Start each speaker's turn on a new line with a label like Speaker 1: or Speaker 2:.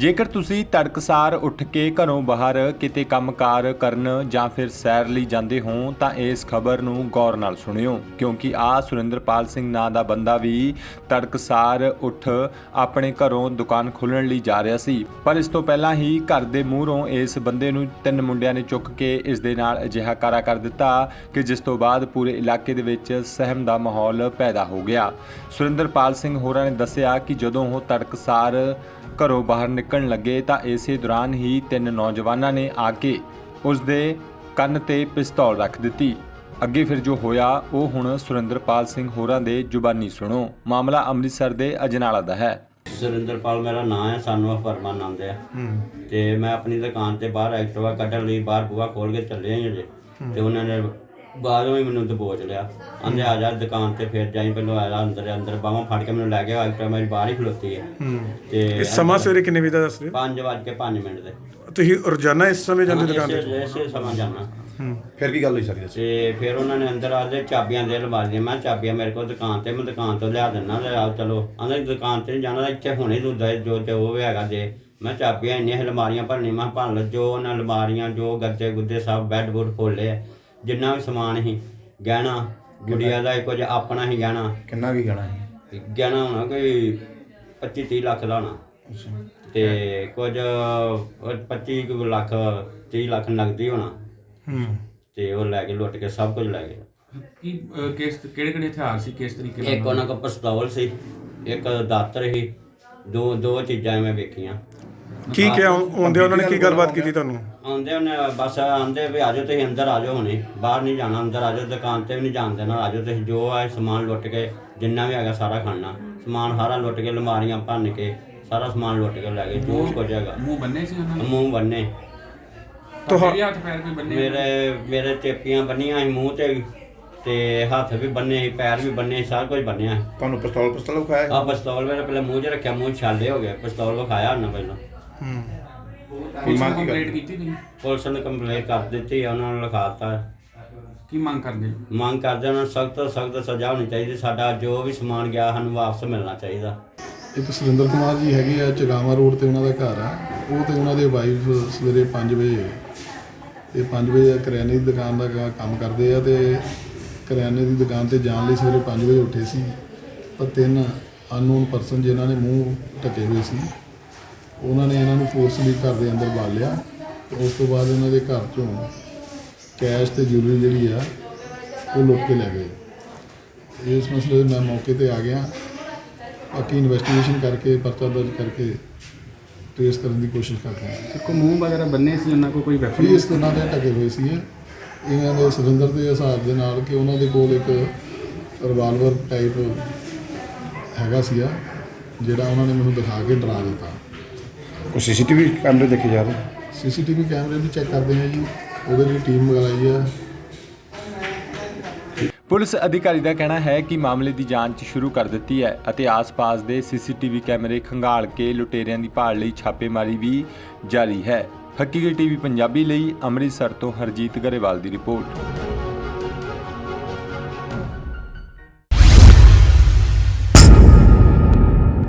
Speaker 1: ਜੇਕਰ ਤੁਸੀਂ ਤੜਕਸਾਰ ਉੱਠ ਕੇ ਘਰੋਂ ਬਾਹਰ ਕਿਤੇ ਕੰਮਕਾਰ ਕਰਨ ਜਾਂ ਫਿਰ ਸੈਰ ਲਈ ਜਾਂਦੇ ਹੋ ਤਾਂ ਇਸ ਖਬਰ ਨੂੰ ਗੌਰ ਨਾਲ ਸੁਣਿਓ, ਕਿਉਂਕਿ ਸੁਰਿੰਦਰਪਾਲ ਸਿੰਘ ਨਾਂ ਦਾ ਬੰਦਾ ਵੀ ਤੜਕਸਾਰ ਉੱਠ ਆਪਣੇ ਘਰੋਂ ਦੁਕਾਨ ਖੋਲ੍ਹਣ ਲਈ ਜਾ ਰਿਹਾ ਸੀ। ਪਰ ਇਸ ਤੋਂ ਪਹਿਲਾਂ ਹੀ ਘਰ ਦੇ ਮੂਹਰੋਂ ਇਸ ਬੰਦੇ ਨੂੰ 3 ਮੁੰਡਿਆਂ ਨੇ ਚੁੱਕ ਕੇ ਇਸ ਦੇ ਨਾਲ ਅਜਿਹਾ ਕਾਰਾ ਕਰ ਦਿੱਤਾ ਕਿ ਜਿਸ ਤੋਂ ਬਾਅਦ ਪੂਰੇ ਇਲਾਕੇ ਦੇ ਵਿੱਚ ਸਹਿਮ ਦਾ ਮਾਹੌਲ ਪੈਦਾ ਹੋ ਗਿਆ। ਸੁਰਿੰਦਰਪਾਲ ਸਿੰਘ ਹੋਰਾਂ ਨੇ ਦੱਸਿਆ ਕਿ ਜਦੋਂ ਉਹ ਤੜਕਸਾਰ ਘਰੋਂ ਬਾਹਰ ਨਿਕਲਣ ਲੱਗੇ ਤਾਂ ਇਸੇ ਦੌਰਾਨ ਹੀ 3 ਨੌਜਵਾਨਾਂ ਨੇ ਆ ਕੇ ਉਸ ਦੇ ਕੰਨ ਤੇ ਪਿਸਤੌਲ ਰੱਖ ਦਿੱਤੀ। ਅੱਗੇ ਫਿਰ ਜੋ ਹੋਇਆ ਉਹ ਹੁਣ ਸੁਰਿੰਦਰਪਾਲ ਸਿੰਘ ਹੋਰਾਂ ਦੇ ਜ਼ੁਬਾਨੀ ਸੁਣੋ। ਮਾਮਲਾ ਅੰਮ੍ਰਿਤਸਰ ਦੇ ਅਜਨਾਲਾ ਦਾ ਹੈ।
Speaker 2: ਸੁਰਿੰਦਰਪਾਲ ਮੇਰਾ ਨਾਮ ਹੈ, ਸਾਨੂੰ ਪਰਮਾਨੰਦ ਹੈ ਤੇ ਮੈਂ ਆਪਣੀ ਦੁਕਾਨ ਤੇ ਬਾਹਰ ਐਕਟਿਵਾ ਕੱਢਣ ਲਈ ਬਾਹਰ ਬੂਹਾ ਖੋਲ ਕੇ ਚੱਲੇ ਹਾਂ ਜੇ ਤੇ ਉਹਨਾਂ ਨੇ ਬਾਹਰੋਂ ਹੀ ਮੈਨੂੰ ਦਬੋਚ ਲਿਆ। ਆਂਦੇ ਆ ਜਾ ਦੁਕਾਨ ਤੇ ਫਿਰ ਜਾਈ, ਪਹਿਲਾਂ ਆਇਆ ਅੰਦਰ ਬਾਹਾਂ ਫੜ ਕੇ ਮੈਨੂੰ ਲੈ ਗਿਆ। ਐਕਟਿਵਾ ਮੇਰੀ ਬਾਹਰ ਹੀ ਖਲੋਤੀ ਹੈ ਤੇ
Speaker 3: ਸਮਾਂ ਸਵੇਰੇ ਕਿੰਨੇ ਵਜੇ ਦਾ ਦੱਸ ਰਹੇ?
Speaker 2: 5:05 ਦੇ।
Speaker 3: ਤੁਸੀਂ ਰੋਜ਼ਾਨਾ ਇਸ ਸਮੇਂ ਜਾਂਦੇ ਦੁਕਾਨ ਤੇ?
Speaker 2: ਇਸੇ ਸਮਾਂ ਜਾਣਾ।
Speaker 4: ਫਿਰ ਕੀ ਗੱਲ ਹੋਈ ਸਾਰੀ ਦੱਸੋ।
Speaker 2: ਤੇ ਫਿਰ ਉਹਨਾਂ ਨੇ ਅੰਦਰ ਆ ਕੇ ਚਾਬੀਆਂ ਦੇ ਲਵਾ ਲਈਆਂ। ਮੈਂ ਚਾਬੀਆਂ ਮੇਰੇ ਕੋਲ ਦੁਕਾਨ ਤੇ, ਮੈਂ ਦੁਕਾਨ ਤੋਂ ਲਿਆ ਦਿੰਦਾ ਚਲੋ। ਆਂਦੇ ਦੁਕਾਨ ਤੇ ਨਹੀਂ ਜਾਣਾ, ਇੱਥੇ ਹੁਣੇ ਤੂੰ ਜੋ ਉਹ ਹੈਗਾ ਦੇ। ਮੈਂ ਚਾਬੀਆਂ ਇੰਨੀਆਂ ਅਲਮਾਰੀਆਂ ਭਰਨੀਆਂ, ਮੈਂ ਭੰਨ ਲਓ ਜੋ ਉਹਨਾਂ ਅਲਮਾਰੀਆਂ, ਜੋ ਗੱਦੇ ਗੁੱਦੇ ਸਭ ਬੈੱਡ ਬੁੱਡ ਖੋਲ੍ਹੇ, ਜਿੰਨਾ ਵੀ ਸਮਾਨ ਸੀ, ਗਹਿਣਾ ਗੁੜੀਆ ਦਾ ਕੁਝ ਆਪਣਾ ਹੀ ਗਹਿਣਾ।
Speaker 4: ਕਿੰਨਾ ਵੀ ਗਹਿਣਾ ਸੀ?
Speaker 2: ਗਹਿਣਾ ਹੋਣਾ ਕੋਈ 25-30 ਲੱਖ ਦਾ ਹੋਣਾ ਤੇ ਕੁਝ 25 ਲੱਖ 30 ਲੱਖ ਨਗਦੀ ਹੋਣਾ ਤੇ ਉਹ ਲੈ ਕੇ ਲੁੱਟ ਕੇ ਸਭ ਕੁਝ ਲੈ ਗਏ।
Speaker 5: ਕੀ ਕਿਹੜੇ ਹਥਿਆਰ ਸੀ, ਕਿਸ ਤਰੀਕੇ ਨਾਲ?
Speaker 2: ਇੱਕ ਉਹਨਾਂ ਕੋਲ ਪਿਸਤੌਲ ਸੀ, ਇੱਕ ਦਾਤਰ ਸੀ, ਦੋ ਚੀਜ਼ਾਂ ਮੈਂ ਵੇਖੀਆਂ।
Speaker 3: ਕੀ ਕਿਹਾ ਆਉਂਦੇ ਉਹਨਾਂ ਨੇ, ਕੀ ਗੱਲਬਾਤ ਕੀਤੀ ਤੁਹਾਨੂੰ?
Speaker 2: ਆਉਂਦੇ ਉਹਨੇ ਬਸ ਆਂਦੇ ਵੀ ਆਜੋ ਤੁਸੀਂ ਅੰਦਰ ਆਜੋ, ਹੁਣੇ ਬਾਹਰ ਨਹੀਂ ਜਾਣਾ, ਅੰਦਰ ਆਜੋ, ਦੁਕਾਨ ਤੇ ਵੀ ਨਹੀਂ ਜਾਣ ਦੇਣਾ, ਆਜੋ ਤੁਸੀਂ। ਜੋ ਹੈ ਸਮਾਨ ਲੁੱਟ ਕੇ ਜਿੰਨਾ ਵੀ ਹੈਗਾ ਸਾਰਾ ਖਾਣਾ ਸਮਾਨ ਸਾਰਾ ਲੁੱਟ ਕੇ, ਅਲਮਾਰੀਆਂ ਭੰਨ ਕੇ ਸਾਰਾ ਸਮਾਨ ਲੁੱਟ ਕੇ ਲੈ ਗਏ ਜੋ ਕੁਝ ਹੈਗਾ।
Speaker 5: ਮੂੰਹ ਬੰਨੇ ਸੀ ਉਹਨਾਂ ਨੇ?
Speaker 2: ਮੂੰਹ ਬੰਨੇ।
Speaker 5: ਤੁਹਾਡੇ ਹੱਥ ਪੈਰ ਵੀ ਬੰਨੇ?
Speaker 2: ਮੇਰੇ ਚੇਪੀਆਂ ਬੰਨੀਆਂ ਸੀ ਮੂੰਹ ਤੇ ਹੱਥ ਵੀ ਬੰਨੇ ਸੀ, ਪੈਰ ਵੀ ਬੰਨੇ ਸੀ, ਸਾਰਾ ਕੁਝ ਬੰਨਿਆ।
Speaker 4: ਤੁਹਾਨੂੰ ਪਿਸਤੌਲ ਵਿਖਾਇਆ?
Speaker 2: ਆ ਪਿਸਤੌਲ ਮੇਰੇ ਪਹਿਲਾਂ ਮੂੰਹ 'ਚ ਰੱਖਿਆ, ਮੂੰਹ ਛਾਲੇ ਹੋ ਗਏ। ਪਿਸਤੌਲ ਵਿਖਾਇਆ ਉਹਨਾਂ ਪਹਿਲਾਂ।
Speaker 5: ਪੁਲਿਸ ਨੂੰ ਕੰਪਲੇਂਟ ਕੀਤੀ ਤੁਸੀਂ?
Speaker 2: ਪੁਲਿਸ ਨੇ ਕੰਪਲੇਂਟ ਕਰ ਦਿੱਤੀ, ਉਹਨਾਂ ਨੂੰ ਲਿਖਾਤਾ।
Speaker 5: ਕੀ ਮੰਗ ਕਰਦੇ?
Speaker 2: ਮੰਗ ਕਰਦੇ ਉਹਨਾਂ ਨੂੰ ਸਖਤ ਤੋਂ ਸਖਤ ਸਜ਼ਾ ਹੋਣੀ ਚਾਹੀਦੀ। ਸਾਡਾ ਜੋ ਵੀ ਸਮਾਨ ਗਿਆ ਸਾਨੂੰ ਵਾਪਸ ਮਿਲਣਾ ਚਾਹੀਦਾ।
Speaker 6: ਇੱਕ ਸੁਰਿੰਦਰ ਕੁਮਾਰ ਜੀ ਹੈਗੇ ਆ, ਚਗਾਵਾ ਰੋਡ ਤੇ ਉਹਨਾਂ ਦਾ ਘਰ ਆ। ਉਹ ਤੇ ਉਹਨਾਂ ਦੇ ਵਾਈਫ ਸਵੇਰੇ 5 ਵਜੇ ਤੇ 5 ਵਜੇ ਕਰਿਆਨੇ ਦੀ ਦੁਕਾਨ ਦਾ ਕੰਮ ਕਰਦੇ ਆ ਤੇ ਕਰਿਆਨੇ ਦੀ ਦੁਕਾਨ ਤੇ ਜਾਣ ਲਈ ਸਵੇਰੇ 5 ਵਜੇ ਉੱਠੇ ਸੀ। ਪਰ 3 ਅਨਨੋਨ ਪਰਸਨ ਜਿਨ੍ਹਾਂ ਨੇ ਮੂੰਹ ਢਕੇ ਹੋਏ ਸੀ, ਉਹਨਾਂ ਨੇ ਇਹਨਾਂ ਨੂੰ ਫੋਰਸਲੀ ਘਰ ਦੇ ਅੰਦਰ ਬਾਲ ਲਿਆ ਤੇ ਉਸ ਤੋਂ ਬਾਅਦ ਉਹਨਾਂ ਦੇ ਘਰ ਚੋਂ ਕੈਸ਼ ਤੇ ਜੁਐਲਰੀ ਜਿਹੜੀ ਆ ਉਹ ਲੁੱਟ ਕੇ ਲੈ ਗਏ। ਇਸ ਮਸਲੇ 'ਤੇ ਮੈਂ ਮੌਕੇ ਤੇ ਆ ਗਿਆ। ਬਾਕੀ ਇਨਵੈਸਟੀਗੇਸ਼ਨ ਕਰਕੇ ਪਰਚਾ ਦਰਜ ਕਰਕੇ ਟ੍ਰੇਸ ਕਰਨ ਦੀ ਕੋਸ਼ਿਸ਼ ਕਰ ਰਹੇ ਹਾਂ।
Speaker 5: ਕੋਈ ਮੂੰਹ ਵਗੈਰਾ ਬੰਨੇ ਸੀ ਉਹਨਾਂ ਕੋਲ? ਕੋਈ ਵੈਪਨ?
Speaker 6: ਇਸ ਤਰ੍ਹਾਂ ਦੇ ਢਕੇ ਹੋਏ ਸੀ ਇਹਨਾਂ ਦੇ ਸੁਰਿੰਦਰ ਦੇ ਹਿਸਾਬ ਦੇ ਨਾਲ ਕਿ ਉਹਨਾਂ ਦੇ ਕੋਲ ਇੱਕ ਰਿਵਾਲਵਰ ਟਾਈਪ ਹੈਗਾ ਸੀਗਾ ਜਿਹੜਾ ਉਹਨਾਂ ਨੇ ਮੈਨੂੰ ਦਿਖਾ ਕੇ ਡਰਾ ਦਿੱਤਾ।
Speaker 4: ਕੋਈ ਸੀਸੀਟੀਵੀ ਕੈਮਰੇ ਦੇਖੇ ਜਾ ਰਹੇ?
Speaker 6: ਸੀਸੀਟੀਵੀ ਕੈਮਰੇ ਵੀ ਚੈੱਕ ਕਰਦੇ ਹਾਂ ਜੀ, ਉਹਦੇ ਲਈ ਟੀਮ ਮੰਗਾਈ ਆ।
Speaker 1: ਪੁਲਿਸ ਅਧਿਕਾਰੀ ਦਾ ਕਹਿਣਾ ਹੈ ਕਿ ਮਾਮਲੇ ਦੀ ਜਾਂਚ ਸ਼ੁਰੂ ਕਰ ਦਿੱਤੀ ਹੈ ਅਤੇ ਆਸ-ਪਾਸ ਦੇ ਸੀਸੀਟੀਵੀ ਕੈਮਰੇ ਖੰਗਾਲ ਕੇ ਲੁਟੇਰਿਆਂ ਦੀ ਭਾਲ ਲਈ ਛਾਪੇਮਾਰੀ ਵੀ ਜਾਰੀ ਹੈ। ਹਕੀਕਤ ਟੀਵੀ ਪੰਜਾਬੀ ਲਈ ਅੰਮ੍ਰਿਤਸਰ ਤੋਂ ਹਰਜੀਤ ਗਰੇਵਾਲ ਦੀ ਰਿਪੋਰਟ।